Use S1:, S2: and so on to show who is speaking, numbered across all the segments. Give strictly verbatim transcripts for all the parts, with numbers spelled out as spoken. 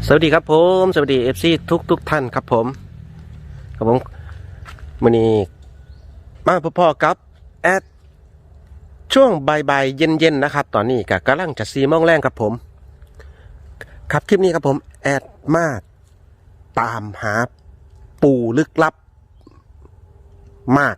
S1: สวัสดีครับผมสวัสดีเอฟซีทุกทุกท่านครับผมครับผมวันนี้มาพอๆกับแอดช่วงบ่ายๆเย็นๆนะครับตอนนี้ก็กำลังจะซีโมงแรงครับผมครับคลิปนี้ครับผมแอดมาตามหาปูลึกลับมาก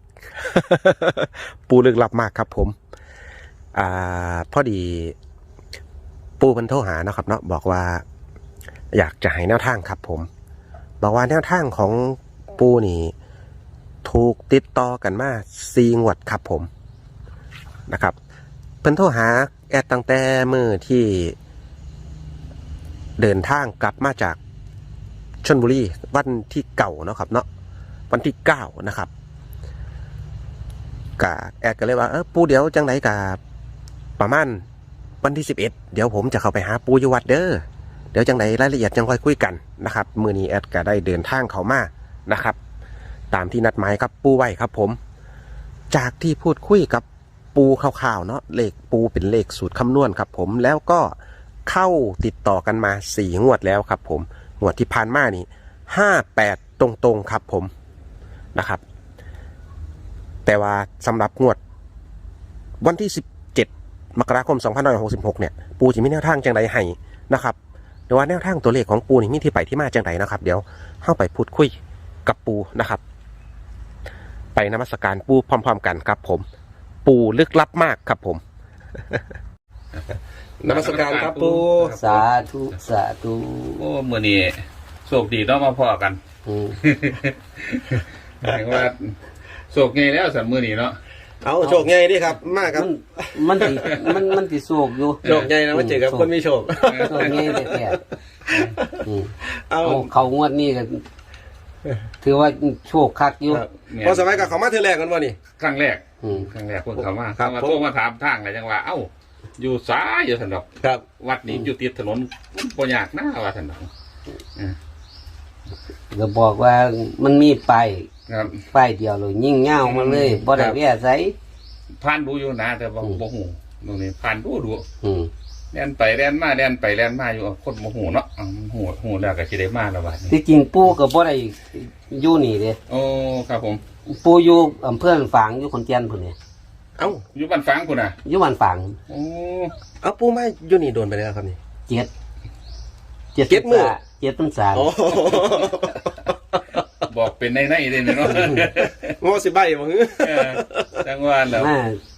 S1: ปูลึกลับมากครับผมอ่าพอดีปูเพิ่นโทรหานะครับเนาะบอกว่าอยากจะให้แนวทางครับผมบอกว่าแนวทางของปูนี่ถูกติดต่อกันมาสี่งวดครับผมนะครับเพิ่นโทรหาแอดตั้งแต่มื้อที่เดินทางกลับมาจากชลบุรีวันที่เก่าเนาะครับเนาะวันที่เก้านะครับกะแอดก็เลยว่าเออปูเดี๋ยวจังไหนกะประมาณวันที่สิบเอ็ดเดี๋ยวผมจะเข้าไปหาปูอยู่วัดเด้อเดี๋ยวจังไหนรายละเอียดจังค่อยคุยกันนะครับมื้อนี้แอดก็ได้เดินทางเข้ามานะครับตามที่นัดหมายครับปูไว้ครับผมจากที่พูดคุยกับปูคร่าวๆเนาะเลขปูเป็นเลขสูตรคำนวณครับผมแล้วก็เข้าติดต่อกันมาสี่งวดแล้วครับผมงวดที่ผ่านมานี่ห้าแปดตรงๆครับผมนะครับแต่ว่าสำหรับงวดวันที่สิบเจ็ดมกราคมสองพันห้าร้อยหกสิบหกเนี่ยปูจะมีแนวทางจังไดให้นะครับหรือว่าแนวทางตัวเลขของปูนี่มีที่ไปที่มาจังไดนะครับเดี๋ยวเข้าไปพูดคุยกับปูนะครับไปนมัสการปูพร้อมๆกันครับผมปูลึกลับมากครับผม นมัสการครับปู
S2: สาธุสาธุ
S3: โอ้เมื่อนี้โชคดีต้องมาพอกัน
S2: อืม
S3: หมายว่าโชคไงแล้วสันมื่อนี้เนาะ
S1: เอาโชคใหญ่ดิครับมากครับ
S2: มันมันติมันมันติโศกอยู่
S1: โชคใหญ่นะมาเจอกับคนมีโชค
S2: โศกไงแต่แต่อืม
S1: เอา
S2: เอาเขางวดนี้กันถือว่าโชคคักอยู่
S1: พอสมัยกับเขามาเธอแรกกันวะนี่
S3: ครั้งแรก
S2: อืม
S3: ครั้งแรกคนเขามา
S1: ครับ
S3: เขามาโทรมาถามทางอะไรจังว่าเอ้าอยู่ซ้ายอยู่สันดอก
S1: ครับ
S3: วัดนี้อยู่ติดถนนปยากหน้าว่าสันดอกอ่า
S2: ก็บอกว่ามันมีป้าย
S3: ครับ
S2: ป้ายเดียวเลยยิ่งเง่ามาเลยบ่ได้แว่ใส่
S3: ผ่านดูอยู่นะแต่ว่าบ่หูตรงนี้ผ่านดูดู
S2: อืม
S3: แล่นไปแล่นมาแล่นไปแล่นมาอยู่คนบ่หูเนาะอ้าวหูหูแล้วก็สิได้มาแล้วบัดนี้
S2: ที่จริงปู่ก็บ่ได้อยู่นี่เด้
S3: โอ้ครับผม
S2: ปู่อยู่อำเภอฝางอยู่ขอนแก่นพุ่นนี่
S1: เอ้า
S3: อยู่บ้านฟังพุ่นน่ะ
S2: อยู่บ้านฝาง
S3: โอ้
S1: เอาปูมาอยู่นี่โดนไปแล้วครับนี่
S2: เจ็ดเจ็ด
S1: เจ็ดมื้อ
S2: เจ็ดพรรษา
S1: โอ้
S3: บอกเป็นในในเลยเนาะ
S1: งอสิใบบ่ฮึ
S3: เออจังหวะแล้ว
S2: เมื่อ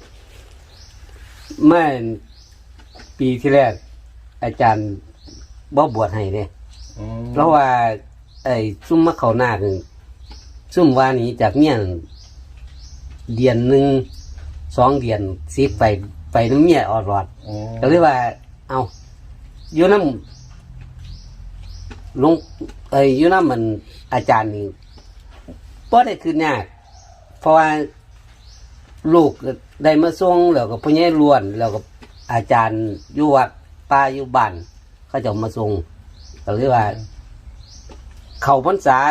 S2: เมื่อปีที่แรกอาจารย์บ่บวชให้เนี่ย
S3: อ๋อ
S2: เพราะว่า ไอ้ซุ่มมะเขานาคนี่ซุ่มว่าหนี้จากเมียนเดือนหนึ่งสองเดือนสิไปไปน้ำเมียออดรอด
S3: อ๋อ
S2: ก็เลยว่า เอาอยู่น้ำลงไอ้อยู่น้ำมันอาจารย์นี่บ่ได้คือยากเพราะว่าลูกได้มาส่งแล้วก็พ่อใหญ่ล้วน แล้วก็อาจารย์อยู่วัดป้าอยู่บ้านเขาจะมาส่งก็เลยว่า เข้าพรรษา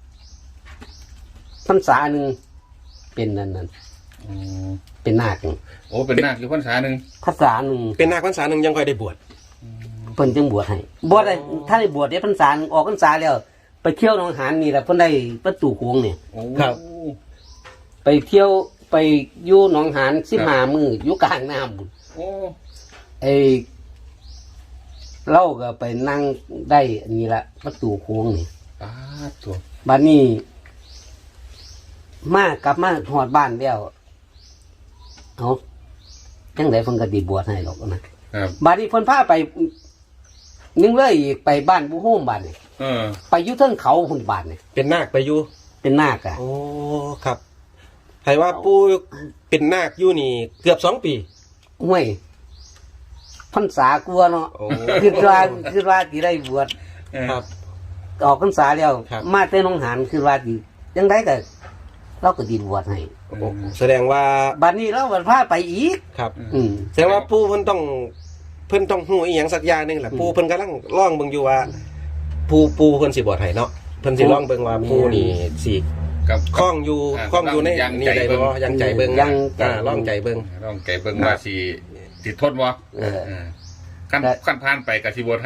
S2: พรรษาหนึ่งเป็นนั่นนั่น
S3: อ๋อ
S2: เป็นนาค
S3: โอ้เป็นนาคอยู่พรรษาหนึ่ง
S2: พรรษาหนึ่ง
S1: เป็นนาคพรรษาหนึ่งยังค่อยได้บวช
S2: เพิ่นจึงบวชให้บวชได้ถ้าได้บวชได้พรรษาหนึ่งออกพรรษาแล้ว ไปเที่ยวหนองหานนี่แหละเพิ่นได้ประตูโค้งเนี่ย
S3: โอ้
S2: ไปเที่ยวไปอยู่หนองหานสิบห้ามืออยู่กลางน้ำบุญ
S3: โอ้
S2: ไอ้เล่าก็ไปนั่งได้อันนี้ละประตูโค้งนี่
S3: ปาดตัว
S2: บัดนี้มากลับมาหอดบ้านแล้วเอาจังไดเพิ่นก็ดีบวชให้หรอกนะครับ บัดนี้เพิ่นพาไปนึงเลยอีกไปบ้านผู้โฮมบ้านนี่
S3: เออ
S2: ไปอยู่เทิงเขาหุ่นบ้านนี่
S1: เป็นนาคไปอยู่
S2: เป็นนาคอะ
S1: โอ้ครับให้ว่าปูเป็นนาคอยู่นี่เกือบสองปี
S2: ห้วยพรรษากลัวเนาะ
S1: โอ้
S2: คือว่าคือว่าที่ได้บวช
S3: เออ
S1: ครับ
S2: ออกพรรษาแล้ว
S1: ครับ
S2: มาแต่หนองหานคือว่าที่ยังไดก็เราก็ดีบวชให้
S1: โอ้แสดงว่า
S2: บัดนี้เราบัดพาไปอีก
S1: ครับ
S2: อืม
S1: แสดงว่าปูเพิ่นต้องเพิ่นต้องหูอีหยังสักอย่างหนึงแหละปูเพิ่นกำลังล่องเบิ่งอยู่ว่าปูปูเพิ่นสิบวชให้เนาะเพิ่นสิล่องเบิ่งว่าปูนี่สิ
S3: กับ
S1: คล้องอยู่
S3: า
S1: คล้องอยู่ใน
S3: ยัง
S1: นี่
S3: ใจ
S1: ได้
S3: เบิ่ง
S1: บ่ยังใจเบิ่ง
S2: ยังใจ
S1: อ่าล่องใจเบิ่ง
S3: ลองไก่เบิ่งว่าสิติดทนบ่
S2: เออ
S3: เออขั้น
S2: ได้
S3: ขั้นผ่านไปกับสิบวชให้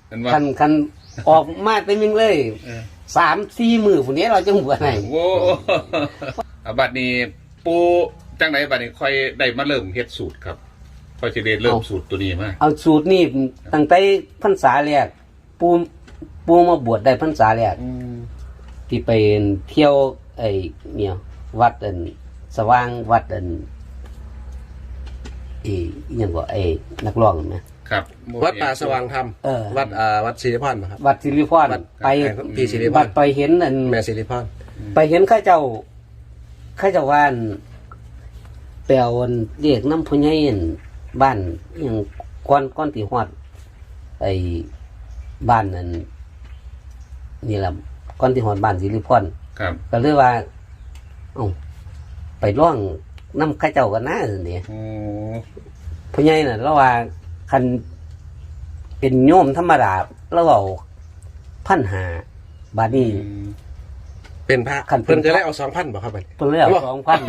S3: เป็นว่า
S2: คันคันออกมาเต็มยังเลย
S3: เออ
S2: สามสี่มือผู้นี้เราจะหัวไหน
S3: โอ้อ่ะบัดนี้ปูจังไหนบัดนี้ค่อยได้มาเริ่มเฮ็ดสูตรครับค่อยสิได้เริ่มสูตรตัวนี้มา
S2: เอาสูตรนี่ตั้งแต่พรรษาแรกปูปูมาบวชได้พรรษาแรก
S3: อืม
S2: ที่ไปเที่ยวไอ้เนี่ยวัดอันสว่างวัดอันไอ้อิหยังก็ไอ้นักร้องนะครับ
S1: วัดป่าสว่างธรรม
S2: เออ
S1: วัดอ่าวัดศิริพรนะครับ
S2: วัดสิริพร
S1: วัด
S2: ไป
S1: พี่สิริพร
S2: วัดไปเห็นอัน
S1: แม่ศิริพร
S2: ไปเห็นข้าเจ้าข้าเจ้าว่านแปลวันเรียกน้ำพุญญนบ้านอหย่างก้อนก้อนตีหอดไอ้บ้านนั่นนี่แหละก้อนตีหอดบ้านสิริพร
S3: ครับ
S2: ก็เลยว่าเอ้าไปร่องน้ำข้าเจ้ากันนะเนี่ย
S3: โอ้
S2: พุญญน่ะแล้วว่าคันเป็นโยมธรรมดาแล้วเอาพันหาบาดนี้
S3: อืม
S1: เป็นพระ
S2: ขันเป็น
S1: เพิ่นจะได้เอาสองพันบ่ครับบัดนี้
S2: เพิ่นเลยเอาสองพัน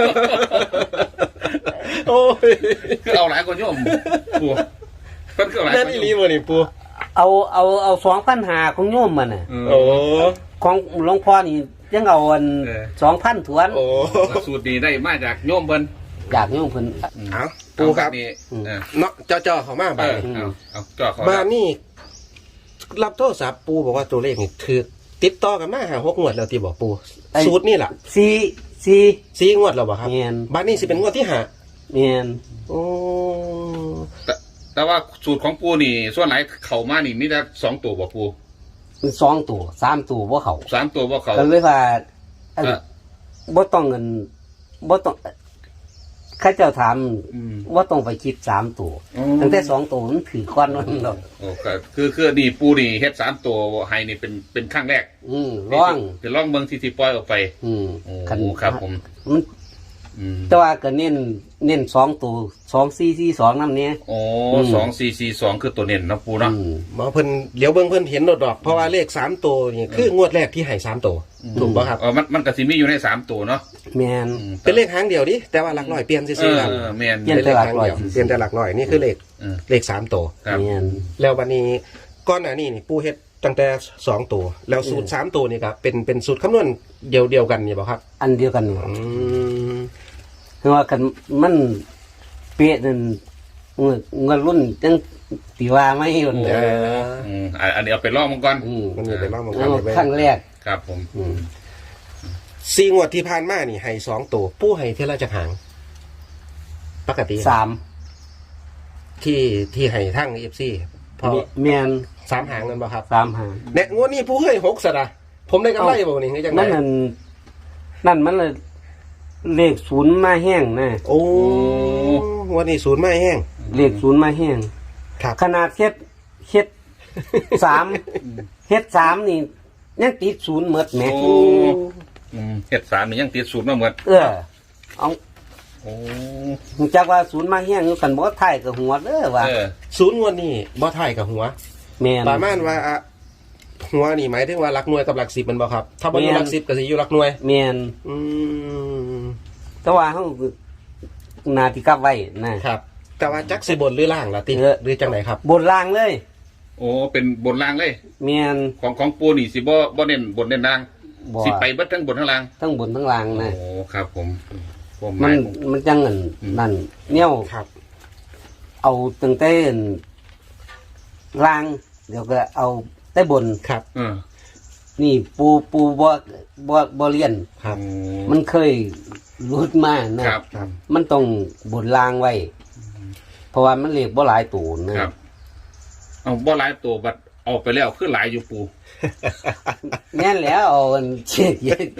S1: โอ้ย
S3: คือเอาหลายคนโยมปูเพิ่นคือเอาหลาย
S1: นั่น
S3: คน
S1: อี
S3: โย
S1: หลี
S3: ม
S1: บ่นี่ปู
S2: เอาเอาเอาสองพันหาของโยมมันน่ะ
S3: อืม
S1: โอ้
S2: ของหลวงพ่อนี่ยังเอาอัน
S3: เออ
S2: สองพันถวน
S1: โอ้
S3: สูตรนี้ได้มาจากโยมเพิ่น
S2: อยากโยมเพิ่น
S1: เอาปูครับ
S3: เอาดนี้
S2: อืม
S3: เออ
S1: เนาะเจ้าๆเข้ามา
S3: เอ
S1: บัด
S3: อ
S1: นี้
S3: เอาเอาจ่อเขา
S1: บ้านนี่รับโทรศัพท์ปูบอกว่าตัวเลขนี่ถือติดต่อกันมาหาหกงวดแล้วที่บอกปูสูตรนี่แหละ
S2: สี่สี่
S1: สี่งวดแล้วบ่ครับ
S2: แม่น
S1: บ้านนี้สิเป็นงวดที่ห้า
S2: แม่น
S1: โอ้
S3: แต่แต่ว่าสูตรของปูนี่ส่วนไหนเข้ามานี่มีแต่สองตัวบ่ปู
S2: มันสองตัวสามตัวบ่เข้า
S3: สามตัวบ่เข้า
S2: ก็เลยว่าอัน
S3: เออ
S2: บ่ต้องเงินบ่ต้องข้าเจ้าถาม
S3: อืม
S2: ว่าต้องไปคิดสามตัว
S3: อ๋อ
S2: ตั้งแต่สองตัวมันถือก้อนมันหรอก
S3: โอ้ก็คือคือนี่ปูนี่เฮ็ดสามตัวให้นี่เป็นเป็นครั้งแรก
S2: อืมร้อง
S3: คือล่องเมืองที่ที่ปล่อยออกไป
S2: อืม
S3: โอ้ครับผม
S2: มัน
S3: อืม
S2: แต่ว่าก็เน้นเน้นสองตัวสองสี่สี่สองน้ำเนี้ย
S3: โอ้
S2: อืม
S3: สองสี่สี่สองคือตัวเน้นเนาะปูเนาะ
S2: อืม
S1: หมอเพิ่นเดี๋ยวเบิ่งเพิ่นเห็นโดดดอกเพราะว่าเลขสามตัวนี่คืองวดแรกที่ให้สามตัวถูกป่ะครับ
S3: เออมันมันก็สิมีอยู่ในสามตัวเนาะ
S2: แมน
S3: อืม
S1: เป็นเลขหางเดียวดิแต่ว่าหลักร้อยเปลี่ยน
S3: เอ
S1: ซื่อ
S3: อ
S1: ๆครับ
S3: เออแม่น
S2: เปลี่ยน
S1: เป็นเลขหางเดียวเปลี่ยนแต่หลักร้อยนี่คือเลข
S3: เออ
S1: เลขสามตัว
S3: ครับ
S2: แมน
S1: แล้ววันนี้ก้อนหน้านี้นี่ปูเฮ็ดตั้งแต่สองตัวแล้วสูตรสามตัวนี่ครับเป็นเป็นสูตรคำนวณเดียวเดียวกันนี่บ่ครับ
S2: อันเดียวกัน
S1: อืม
S2: คือว่ากันมันเป๊ะนั่นเงินเงินรุ่นจังตีว่าไม่หยุด
S1: เออ
S3: อืมอ่ะอันนี้เอาไปล่องมันก่อน
S2: อืม
S1: มันมีไปล่องมังกร
S2: แล้ว
S1: ไป
S2: ครั้งแรก
S3: ครับผม
S2: อืม
S1: สี่งวดที่ผ่านมานี่ให้สองตัวปูให้เท่าไรจะหาง ปกติ
S2: สาม
S1: ที่ที่ให้ทั้งเอฟซีพอ
S2: แมน
S1: สามหางนั่นบ่ครับ
S2: สามหาง
S1: เนี่ยงวดนี้ปูให้หกสระผมได้กำไรบ่นี่คือจังไง
S2: นั่นนั่นนั่นมันเลยเลขศูนย์มาแห้งนะ
S1: โอ้งวดนี้ศูนย์ไม่แห้ง
S2: เลขศูนย์มาแห้ง
S1: ครับ
S2: ขนาดเฮ็ดเฮ็ดสามเฮ็ดสามนี่ยังติดศูนย์หมดแหม
S3: โอ้อืมเฮ็ดสามนี่ยังติดสูตรมาหมด
S2: เออเอา
S3: โอ้
S2: รู้จักว่าศูนย์มาแห้งอยู่กันบ่ไทยกับหัวเด้อว่า
S3: เออ
S1: ศูนย์งวดนี้บ่ถ่ายกับหัว
S2: แม่น
S1: ประมาณว่าอะหัวนี่หมายถึงว่าหลักหน่วยกับหลักสิบมันบ่ครับ ถ้าบ่อยู่หลักสิบก็สิอยู่หลักหน่วย
S2: แม่น
S1: อืม
S2: แต่ว่าเฮาหนาที่กลับไว้นะครับ
S1: แต่ว่าจักสิบนหรือล่างล่ะติ
S2: เออ
S1: หรือจังไหนครับ
S2: บนล่างเลย
S3: โอ้เป็นบนล่างเลย
S2: แม่น
S3: ของของปูนี่สิบ่บ่เน้นบนเน้นล่าง
S2: บ่
S3: สิไปเบิดทั้งบนทั้งล่าง
S2: ทั้งบนทั้งล่างนะ
S3: โอ้ครับผมผมห
S2: มั
S3: มานย
S2: มันจังนั่นนั่นเนี่ย
S1: ครับ
S2: เอาตั้งแต่ล่าง เดี๋ยวก็เอาแต่บน
S1: ครับ
S3: เออ
S2: นี่ปูปูบ่บ่บ่เรียน
S1: ครับ
S2: มันเคยรุดมานะครับ
S1: ครับ
S2: มันต้องบนล่างไว้ เพราะว่ามันเรียกบ่หลายตูนนะครับ
S3: เอาบ่หลายตัวบัดออกไปแล้วคือหลายอยู่ปู
S2: แน่นแล้วเอาอันเจ็ดเย็น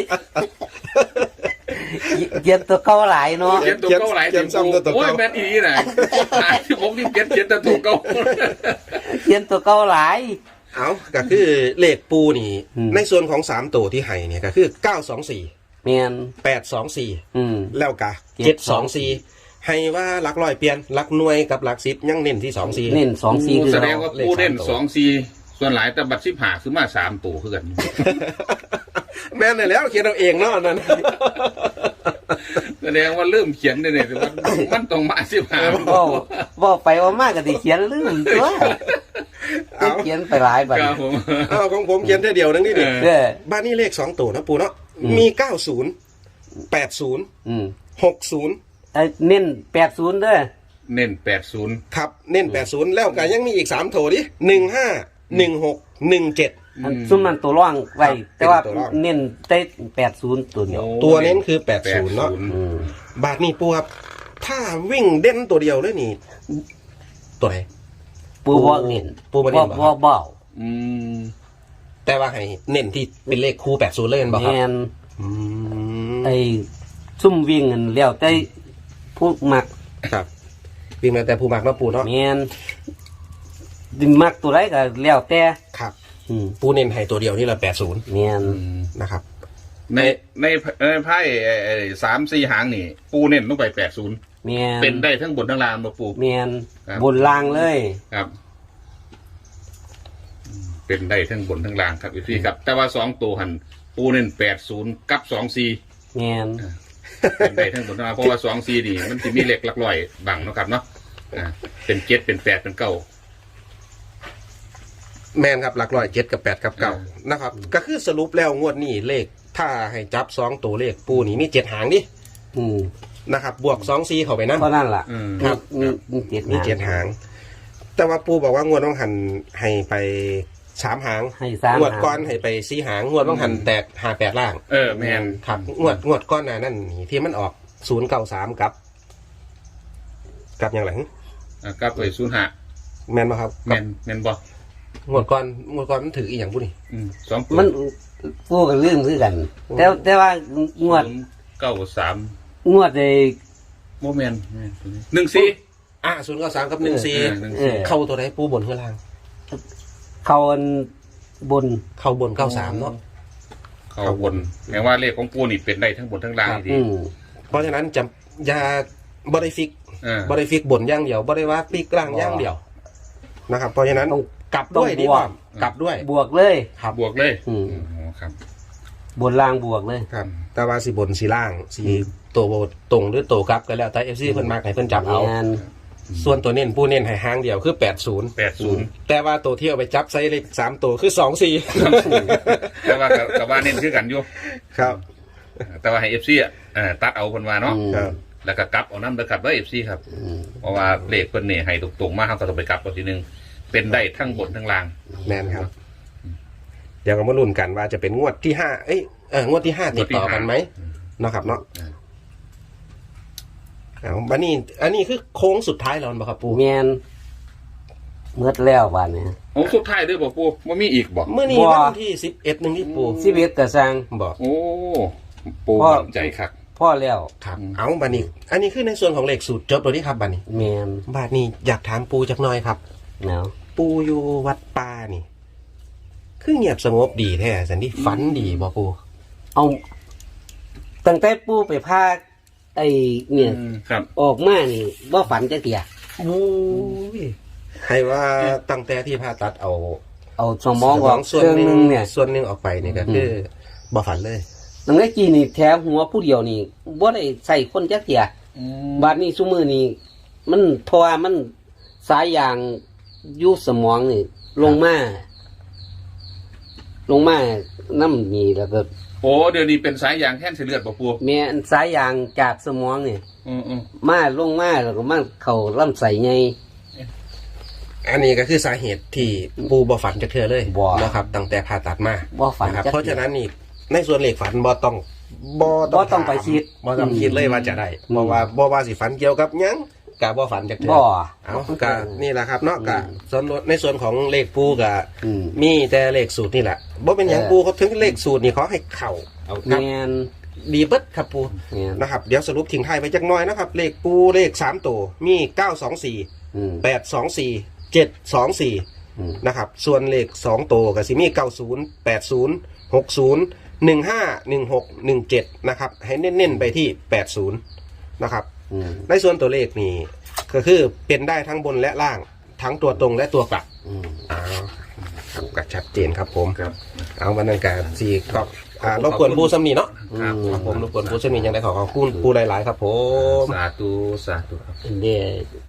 S2: เย็นตัวเก่าหลายเนาะ
S3: เจ็ดตัวเก้าหลาย
S1: เขียนซ้ำตัวเก่า
S3: โอ้ยแม่นอีนี่น่ะที่ผมนี่เจ็ดเจ็ดตัวเก้า
S2: เย็นตัวเก่าหลาย
S1: เอาก็คือเลขปูนี่
S2: อืม
S1: ในส่วนของสามตัวที่ให้เนี่ยก็คือเก้าสองสี่
S2: แม่น
S1: แปดสองสี่
S2: อืม
S1: แล้วก็
S2: เจ็
S1: เจ็
S2: ด
S1: ด
S2: ส
S1: ส
S2: อ
S1: อง ง
S2: สี่
S1: สี่ให้ว่าหลักร้อยเปลี่ยนหลักหน่วยกับหลักสิบยังเน้นที่สองสี่
S2: เน้นสองสี่คือ
S3: แสด
S2: เรา
S3: งว่าปูเล่นสองสี่ส่วนหลายแต่บัตรสิบหาคือมาสามตัวคือกัน
S1: แม่นเลยแล้วเขียนเอาเองเนาะนั่น
S3: แสดงว่าเริ่มเขียนได้เนี่ยมันมันต้องมาสิบหา
S2: บ่บ่ไปว่ามากก็สิเขียนลืมตัว
S1: เอา
S2: เขียนไปหลายบัด
S3: ครับผม
S1: เอาของผมเขียนแค่เดียวนึงนี่ดิ
S3: เออ
S2: เด้อ
S1: บ้านนี้เลขสองตัวนะปูเนาะ
S2: อืม
S1: มีเก้าศูนย์แปดศูนย์
S2: อืม
S1: หกศูนย์
S2: ไอ้เน้นแปดศูนย์เด้อ
S3: เน้นแปดศูนย์
S1: ครับเน้นแปดศูนย์แล้วก็ยังมีอีกสามโถดิหนึ่งห้าหนึ่งหกหนึ่งเจ็ด
S2: อันซุ่มนั้นตัวร่องไว้
S1: ครับ
S2: แต่ว่า
S1: เป็นตัวร่อง
S2: เน้นได้แปดศูนย์ตัวเดียว
S1: ตัวเน้นคือแปดศูนย์เนาะ
S2: อืม
S1: บาทนี่ปูครับถ้าวิ่งเด่นตัวเดียวเลยนี่ ตัวไหน
S2: ปูบ่เน้น
S1: ปูบ่เน้นบ่ครับ
S2: บ่บ่
S3: อืม
S1: แต่ว่าให้เน้นที่เป็นเลขคู่แปดศูนย์เลยเห็นบ่ครับ
S2: แม่น
S1: อืม
S2: ไอ้ซุ่มวิ่งนั่นแล้วแต่ผู้มัก
S1: ครับ วิ่งมาแต่ผู้มักเนาะปูเนาะ
S2: แม่นดิมักตัวใดก็แล้วแต่
S1: ครับ
S2: อืม
S1: ปูเน้นให้ตัวเดียวนี่แหละแปดศูนย์
S2: แม่น
S1: นะครับ
S3: ในในในไพ่ไอ้ไอ้สามสี่หางนี่ ปูเน้นลงไปแปดศูนย์
S2: แม่น
S3: เป็นได้ทั้งบนทั้งล่างมาปู
S2: แม่น
S3: ครับ
S2: บนล่างเลย
S3: ครับอืมเป็นได้ทั้งบนทั้งล่างครับพี่ครับ แต่ว่าสองตัวหันปูเน้นแปดศูนย์กับสองสี่
S2: แม่น
S3: เป็นได้ทั้งบนทั้งล่างเพราะว่าสองสี่นี่มันจะมีเหล็กหลักลอยบังเนาะครับเนาะอ่าเป็นเจ็ดเป็นแปดเป็นเก้า
S1: แมนครับหลักร้อยเจ็ดกับแปดกับเก้า
S3: อืม
S1: นะครับ ก็คือสรุปแล้วงวดนี้เลข ถ้าให้จับสองตัวเลขปูนี่มีเจ็ดหางดิ
S2: อืม
S1: นะครับ บวกสองซีเข้าไปนั่น
S2: เพราะนั่นล่ะ
S3: อืม
S1: ครับ
S2: มีมีเจ็ด
S1: มีเจ็ดหาง แต่ว่าปูบอกว่างวดต้องหันให้ไปสามหาง
S2: ให้สาม
S1: งวด
S2: หาง
S1: ก้อนให้ไปสี่หางงวดต้องหันแตกหาแปดล่าง
S3: เออแมน
S1: ครับงวดงวดก้อนหนานั่นนี่ที่มันออกศูนย์เก้าสามกับ กับอย่างไร
S3: อ่ะกลับไปศูนย์ห้า
S1: แมนบ่ครับ
S3: แมนแมนบ่
S1: งวดก้อนงวดก้อนมันถืออีกอย่างพูดนี่
S3: อืมสองตัว
S2: มันปูกับเรื่องคือกัน แต่แต่ว่างวด
S3: เก้าสาม
S2: งวดใน
S3: โมเมนหนึ่งสี่
S1: อ่ะศูนย์เก้าสามกับหนึ่งสี่
S3: หนึ่ง
S2: เอ
S3: สี่
S2: อ
S1: เข้าตัวไหนปูบนข้างล่าง
S2: เขาอันบน
S1: เข้าบนเก้าสามเนาะ
S3: เขาบนแม้ว่าเลขของปูนี่เป็นได้ทั้งบนทั้งล่างดี
S2: อืม
S1: เพราะฉะนั้นจะอย่าบริฟิก
S3: เออบ
S1: ริฟิกบนอย่างเดียวบริว่าฟิกล่างอย่างเดียวนะครับ เพราะฉะนั้น
S2: ต้อง
S1: กลับด้วย
S2: ต้อง
S1: ดี
S2: บ
S1: ก
S2: ว
S1: ว่าก กลับด้วย
S2: บวกเลย
S1: ครับ
S3: บวกเลย
S2: อืม
S3: อ๋อครับ
S2: บนล่างบวกเลย
S1: ครับ แต่ว่าสีบนสีล่างสีตัวตรงหรือตัวกลับก็แล้วแต่เอฟซีเพิ่นมากให้เพิ่นจับเอา
S2: งาน
S1: ส่วนตัวเน้นผู้เน้นให้หางเดียวคือแปดศูนย์
S3: แปดศูนย์
S1: แต่ว่าตัวที่เอาไปจับไซส์เลขสามตัวคือสองสี่
S3: แต่ว่ากับกับว่าเน้นคือกันอยู่
S1: ครับ
S3: แต่ว่าให้เอฟซีอ่ะเอ่อตัดเอาคนว่าเนาะ
S2: อืม
S1: ครับ
S3: แล้วก็กลับเอาน้ำเด้อกลับไว้เอฟซีครับ
S2: อืม
S3: เพราะว่าเลขเพิ่นเนี่ยให้ตรงๆมากเขาก็ต้องไปกลับเอาทีนึงเป็นได้ทั้งบนทั้งล่าง
S1: แมนครับ เดี๋ยวเรามาลุ้นกันว่าจะเป็นงวดที่ห้าเอ้ยเอองวดที่ห้าติดต่อกันไหมเนาะครับเนาะ
S3: อืม
S1: เอาบันนี้อันนี้คือโค้งสุดท้ายแล้วบ่ครับปู
S2: แมนเมื่อแล้ววันนี้
S3: โอ้สุดท้ายด้วยบอกปูว่ามีอีกบอก
S1: เมื่อนี้
S2: บ่
S1: วันที่สิบเอ็ดหนึ่งที่ปู
S2: ชีวิตกระสัง
S1: บอก
S3: โอ้ปู
S2: พ่อ
S3: มั่นใจครับ
S2: พ่อแล้ว
S1: ครับ เอาบันนี้ อันนี้คือในส่วนของเลขสูตรจบแล้วนี่ครับบันนี้
S2: แมน
S1: บาทนี้อยากถามปูจักหน่อยครับ
S2: เนาะ
S1: ปูอยู่วัดป่านี่ คือเงียบสงบดีแท้สันที่ฝันดีบ่ปู
S2: เอาตั้งแต่ปูไปพาไอ้เนี่ย
S3: อืมครับ
S2: ออกมานี่ว่าฝันจะเตีย
S1: โอ้ยให้ว่าตั้งแต่ที่ผ่าตัดเอา
S2: เอาสมองออก
S1: ส่วน
S2: เครื่อง
S1: ห
S2: ห
S1: นึ
S2: นึ
S1: ง
S2: งเนี่ย
S1: ส่วนหนึงออกไปนี่ก็คือบ่ฝันเลย
S2: ตั้งแต่กี้นี่แถวหัวผู้เดียวนี่บ่ได้ใส่คนจักเตียบาดนี้ซุมือนี่มันเพราะว่ามันสายยางอยู่สมองนี่ลงมาลงมาน้ำนี่แล้วก็
S3: โอ้เดี๋ยวนี้เป็นสายยางแท่นเสเลือดบอกปู
S2: แม่นสายยางจากสมองนี่
S3: อืมอืม
S2: มาลงมาแล้วก็มาเข้าลำไส้ใหญ่
S1: อันนี้ก็คือสาเหตุที่ปูบ่ฝันจะเทื่อเลย
S2: บ่
S1: นะครับ ตั้งแต่ผ่าตัดมา
S2: บ่ฝัน
S1: นะครับ
S2: จัก
S1: เพราะฉะนั้นนี่ในส่วนเลขฝันบ่ต้องบ่
S2: บ่ต้องไปคิด
S1: บ่ต้องคิดเลยว่าจะได้
S2: อืม
S1: บ่ว่าบ่ว่าสิฝันเกี่ยวกับหยังกะบ่ฝันจักเทื่
S2: บ่
S1: เอากะนี่แหละครับเนาะกะส่วนในส่วนของเลขปูกะ
S2: อืม
S1: มีแต่เลขสูตรนี่แหละบ่เป็นหยัง
S2: เออ
S1: ปูเขาถึงเลขสูตรนี่เขาให้เข้าเอาครับ
S2: แม่น
S1: ดีเบิดครับปู
S2: แม่น
S1: นะครับ เดี๋ยวสรุปทิ้งท้ายไปจักหน่อยนะครับ เลขปูเลขสามตัวมีเก้าสองสี่
S2: อืม
S1: แปดสองสี่เจ็ดสองสี่
S2: อืม
S1: นะครับ ส่วนเลขสองตัวก็สิมีเก้าศูนย์แปดศูนย์หกศูนย์หนึ่งห้าหนึ่งหกหนึ่งเจ็ดนะครับ ให้เน้นๆไปที่แปดศูนย์นะครับ
S2: อืม
S1: ในส่วนตัวเลขนี่ก็คือเป็นได้ทั้งบนและล่าง ทั้งตัวตรงและตัวกลับ
S2: อืม
S1: อ้าวครับก็ชัดเจนครับผม
S3: ครับ
S1: เอาวันนั้นการสี่ก็อ่ารบกวนผู้สำนีเนาะ
S3: ครับ
S1: ครับผมรบกวนผู้สำนียังได้ขอขอบคุณผู้หลายๆครับผม
S3: สาธุสาธุครับ
S2: เดี๋ยว